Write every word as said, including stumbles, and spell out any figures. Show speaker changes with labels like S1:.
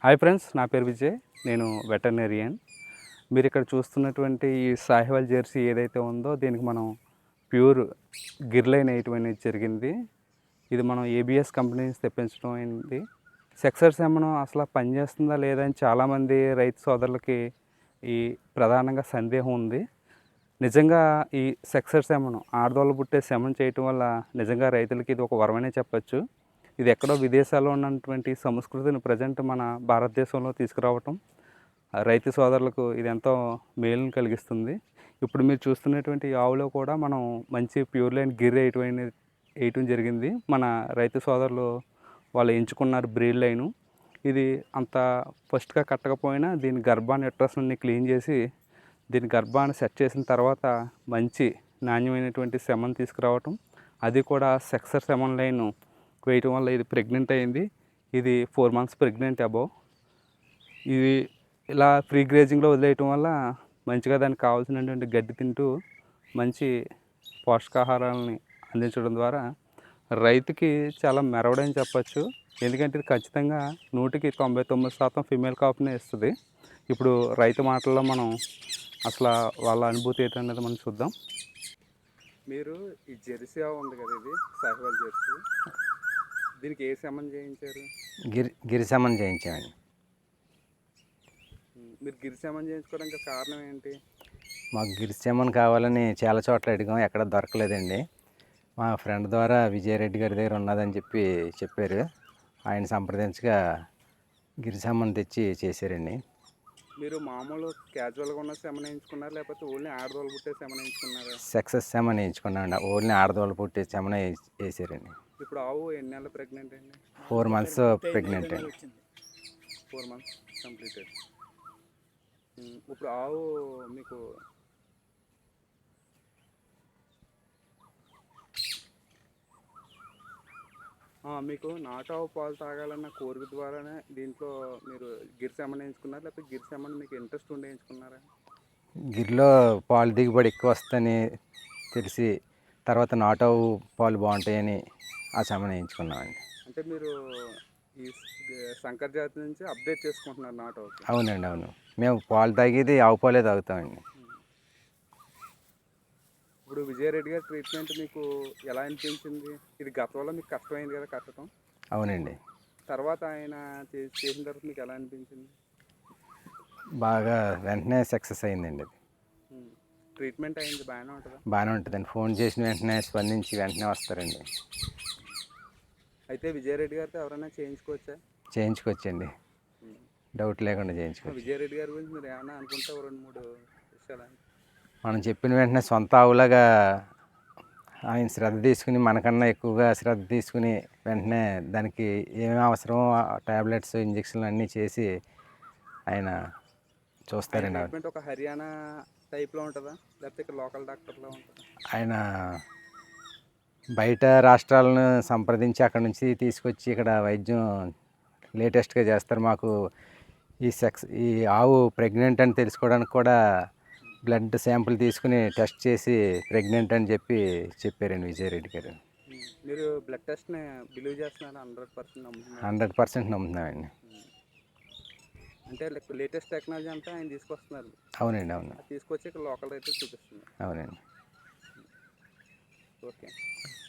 S1: Hi friends, నా పేరు విజయ్. నేను వెటర్నరియన్. మీరు ఇక్కడ చూస్తున్నటువంటి ఈ సాహివాల్ జెర్సీ ఏదైతే ఉందో దీనికి మనం ప్యూర్ గిర్లైన్ వేయటం అనేది జరిగింది. ఇది మనం ఏబిఎస్ కంపెనీ నుంచి తెప్పించడం అయింది. సెక్సర్ సెమనం అసలు పనిచేస్తుందా లేదా అని చాలామంది రైతు సోదరులకి ఈ ప్రధానంగా సందేహం ఉంది. నిజంగా ఈ సెక్సర్ సెమనం ఆడదోళ్ళు పుట్టే సెమన్ చేయటం వల్ల నిజంగా రైతులకి ఇది ఒక వరమనే చెప్పచ్చు. ఇది ఎక్కడో విదేశాల్లో ఉన్నటువంటి సంస్కృతిని ప్రజెంట్ మన భారతదేశంలో తీసుకురావటం రైతు సోదరులకు ఇది ఎంతో మేలును కలిగిస్తుంది. ఇప్పుడు మీరు చూస్తున్నటువంటి ఆవులో కూడా మనం మంచి ప్యూర్ లైన్ గిర్ వేయటం వేయటం జరిగింది. మన రైతు సోదరులు వాళ్ళు ఎంచుకున్నారు బ్రీడ్ లైను. ఇది అంత ఫస్ట్గా కట్టకపోయినా దీని గర్భాన్ని ఎట్రస్ని క్లీన్ చేసి దీని గర్భాన్ని సెట్ చేసిన తర్వాత మంచి నాణ్యమైనటువంటి సెమన్ తీసుకురావటం, అది కూడా సెక్సర్ సెమన్ లైన్ వేయటం వల్ల ఇది ప్రెగ్నెంట్ అయింది. ఇది ఫోర్ మంత్స్ ప్రెగ్నెంట్ అబోవ్. ఇది ఇలా ఫ్రీ గ్రేజింగ్లో వదిలేయటం వల్ల మంచిగా దానికి కావాల్సినటువంటి గడ్డి తింటూ మంచి పోషకాహారాలని అందించడం ద్వారా రైతుకి చాలా మెరవడని చెప్పచ్చు. ఎందుకంటే ఇది ఖచ్చితంగా నూటికి తొంభై తొమ్మిది శాతం ఫిమేల్ కాపునే ఇస్తుంది. ఇప్పుడు రైతు మాటల్లో మనం అసలు వాళ్ళ అనుభూతి ఏంటనేది మనం చూద్దాం. మీరు ఈ జెర్సీ ఆవు ఉంది కదా, ఇది సాహివాల్ జెర్సీ, దీనికి ఏ సెమన్ చేయించారు?
S2: గిరి గిరి సెమన్ చేయించామండి.
S1: మీరు గిరి సెమన్ చేయించుకోవడానికి కారణం ఏంటి?
S2: మాకు గిరి సెమన్ కావాలని చాలా చోట్ల అడిగాం, ఎక్కడ దొరకలేదండి. మా ఫ్రెండ్ ద్వారా విజయరెడ్డి గారి దగ్గర ఉన్నదని చెప్పి చెప్పారు. ఆయన సంప్రదించగా గిరి సెమన్ తెచ్చి చేశారండి.
S1: మీరు మామూలు క్యాజువల్గా ఉన్న సెమన్ వేయించుకున్నారు లేకపోతే ఓన్లీ ఆడదోళ్ళు పుట్టే సెమన్ వేయించుకున్నారా?
S2: సక్సెస్ సెమన్ వేయించుకున్నాండి. ఓన్లీ ఆడదోళ్ళు పుట్టే సెమన్ వేసారండి.
S1: ఇప్పుడు ఆవు ఎన్ని నెలలు ప్రెగ్నెంట్ అండి?
S2: ఫోర్ మంత్స్ ప్రెగ్నెంట్ అండి.
S1: Four months completed. ఇప్పుడు ఆవు మీకు మీకు నాటావు పాలు తాగాలన్న కోరిక ద్వారానే దీంట్లో మీరు గిర్ సెమన్ వేయించుకున్నారు లేకపోతే గిర్ సెమన్ మీకు ఇంట్రెస్ట్ ఉండి వేయించుకున్నారా?
S2: గిరిలో పాలు దిగుబడి ఎక్కువ వస్తుందని తెలిసి తర్వాత నాటావు పాలు బాగుంటాయని ఆ సెమన్ వేయించుకున్నామండి.
S1: అంటే మీరు ఈ సంకర్ జాతి నుంచి అప్డేట్ చేసుకుంటున్నారు నాటావు?
S2: అవునండి, అవును. మేము పాలు తాగేది ఆవు పాలే తాగుతామండి.
S1: ఇప్పుడు విజయరెడ్డి గారి ట్రీట్మెంట్ మీకు ఎలా అనిపించింది? ఇది గతంలో మీకు కష్టమైంది కదా కట్టడం?
S2: అవునండి.
S1: తర్వాత ఆయన చేసిన తర్వాత మీకు ఎలా అనిపించింది?
S2: బాగా వెంటనే సక్సెస్ అయిందండి. అది
S1: ట్రీట్మెంట్ అయింది బాగానే ఉంటుందా?
S2: బాగానే ఉంటుందండి. ఫోన్ చేసిన వెంటనే స్పందించి వెంటనే వస్తారండి.
S1: అయితే విజయరెడ్డి గారితో ఎవరైనా చేయించుకోవచ్చా?
S2: చేయించుకోవచ్చండి, డౌట్ లేకుండా చేయించుకోవచ్చు.
S1: విజయరెడ్డి గారి గురించి మీరు ఏమైనా అనుకుంటే రెండు మూడు విషయాలు
S2: మనం చెప్పిన వెంటనే సొంత ఆవులాగా ఆయన శ్రద్ధ తీసుకుని మనకన్నా ఎక్కువగా శ్రద్ధ తీసుకుని వెంటనే దానికి ఏమేమి అవసరమో టాబ్లెట్స్ ఇంజక్షన్లు అన్నీ చేసి ఆయన చూస్తారండి.
S1: ట్రీట్మెంట్ ఒక హర్యానా టైప్లో ఉంటుందా లేకపోతే ఇక్కడ లోకల్ డాక్టర్లో ఉంటుందా?
S2: ఆయన బయట రాష్ట్రాలను సంప్రదించి అక్కడ నుంచి తీసుకొచ్చి ఇక్కడ వైద్యం లేటెస్ట్గా చేస్తారు. మాకు ఈ సెక్స్ ఈ ఆవు ప్రెగ్నెంట్ అని తెలుసుకోవడానికి కూడా బ్లడ్ శాంపుల్ తీసుకుని టెస్ట్ చేసి ప్రెగ్నెంట్ అని చెప్పి చెప్పారండి విజయరెడ్డి గారు.
S1: మీరు బ్లడ్ టెస్ట్ని బిలీవ్ చేస్తున్నారు? హండ్రెడ్ పర్సెంట్ నమ్ముతున్నారు?
S2: హండ్రెడ్ పర్సెంట్ నమ్ముతున్నామండి.
S1: అంటే లేటెస్ట్ టెక్నాలజీ అంతా ఆయన తీసుకొస్తున్నారు?
S2: అవునండి, అవును.
S1: తీసుకొచ్చి ఇక్కడ లోకల్ రైతులు చూపిస్తున్నారు?
S2: అవునండి.
S1: ఓకే.